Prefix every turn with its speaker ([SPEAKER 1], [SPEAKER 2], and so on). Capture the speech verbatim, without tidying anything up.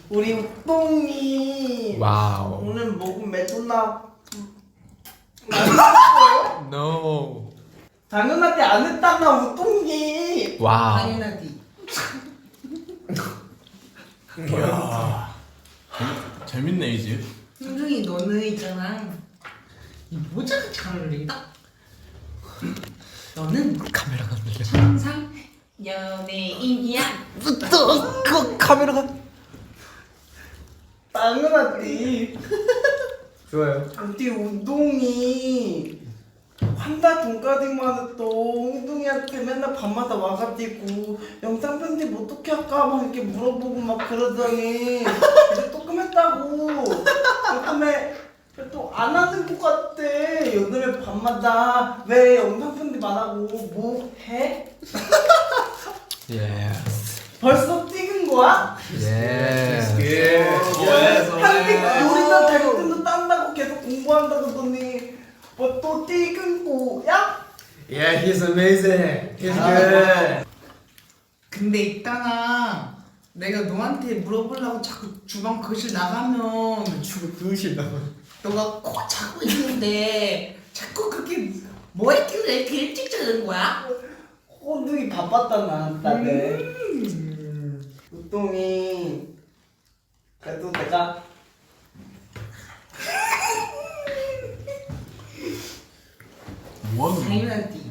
[SPEAKER 1] 우리 우똥이
[SPEAKER 2] 와우.
[SPEAKER 1] 오늘 먹은 메도나 맛있었어요?
[SPEAKER 2] No.
[SPEAKER 1] 당연하게 안 했잖아 우똥이.
[SPEAKER 2] 와우.
[SPEAKER 3] 당연하지.
[SPEAKER 2] 이야. 재밌네 이 집.
[SPEAKER 3] 흥중이 너는 있잖아. 이 모자가 잘 어울린다. 너는
[SPEAKER 2] 카메라가 안 들려.
[SPEAKER 3] 천상 연예인이야.
[SPEAKER 2] 또 그 카메라가.
[SPEAKER 1] 당연하지.
[SPEAKER 2] 좋아요.
[SPEAKER 1] 우리 우동이 한달 돈까지만 해도 웅둥이한테 맨날 밤마다 와가지고 영상 편집 어떻게 할까 막 이렇게 물어보고 막 그러더니 이제 조금 했다고. 요즘에 또 안 하는 것 같아. 요즘에 밤마다 왜 영상 편집 안 하고 뭐 해?
[SPEAKER 2] 예.
[SPEAKER 1] 벌써 찍은 거야?
[SPEAKER 2] 예.
[SPEAKER 1] 한국 요리사 자격증도 딴다고 계속 공부한다 그러더니 뭐 또 찍은 거야?
[SPEAKER 4] Yeah, he's amazing. He's
[SPEAKER 1] 아.
[SPEAKER 4] good.
[SPEAKER 3] 근데 있잖아. 내가 너한테 물어보려고 자꾸 주방 거실 나가면
[SPEAKER 4] 주고 그으신다고.
[SPEAKER 3] 너가 코 차고 있는데 자꾸 그렇게 뭐 했길래 이렇게 일찍 자는 거야?
[SPEAKER 1] 호둥이 바빴다 나한테.
[SPEAKER 3] 음.
[SPEAKER 1] 우동이 그래도 내가
[SPEAKER 2] 뭐하는
[SPEAKER 3] 당연하지.